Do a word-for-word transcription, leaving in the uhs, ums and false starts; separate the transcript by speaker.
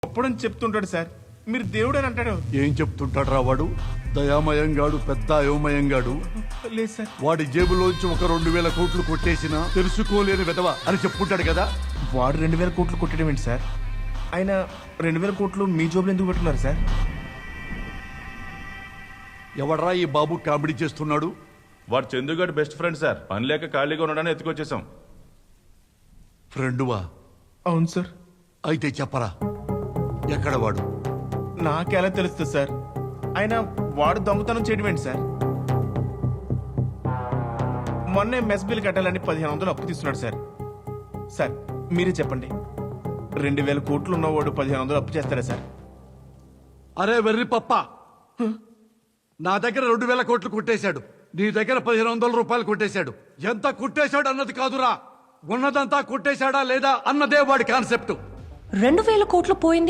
Speaker 1: అప్పుడని చెప్తుంటాడు సార్. మీరు దేవుడు అని అంటాడు.
Speaker 2: ఏం చెప్తుంటాడు రా వాడు? దయామయంగాడు, పెద్ద అయోమయంగాడు.
Speaker 1: లేదు సార్.
Speaker 2: వాడి జేబులోంచి ఒక రెండు వేల కోట్లు కొట్టేసినా తెలుసుకోలేని విధవ అని చెప్పుకుంటాడు కదా.
Speaker 1: వాడు రెండు వేల కోట్లు కొట్టడం ఏంటి సార్? ఆయన రెండు వేల కోట్లు మీ జోబులు ఎందుకు పెట్టుకున్నారు సార్?
Speaker 2: ఎవడరా ఈ బాబు కామెడీ చేస్తున్నాడు?
Speaker 3: వాడు చందుగాడు బెస్ట్ ఫ్రెండ్ సార్. పని లేక ఖాళీగా ఉండడానికి ఎత్తుకొచ్చేసాం.
Speaker 2: ఫ్రెండువా?
Speaker 1: అవును సార్.
Speaker 2: అయితే చెప్పరా, ఎక్కడ వాడు?
Speaker 1: నాకెలా తెలుస్తుంది సార్? ఆయన వాడు దొంగతనం చేయడం ఏంటి సార్? మొన్నే మెస్ బిల్ కట్టాలని పదిహేను వందలు అప్పు తీసుకున్నాడు సార్. సార్ మీరే చెప్పండి, రెండు వేల కోట్లు ఉన్నవాడు పదిహేను వందలు అప్పు చేస్తారా సార్?
Speaker 2: అరే వెర్రి పప్ప, నా దగ్గర రెండు వేల కోట్లు కొట్టేశాడు, నీ దగ్గర పదిహేను వందల రూపాయలు కొట్టేశాడు. ఎంత కొట్టేశాడు అన్నది కాదురా, ఉన్నదంతా కొట్టేశాడా లేదా అన్నదే వాడి కాన్సెప్ట్.
Speaker 4: రెండు వేల కోట్లు పోయింది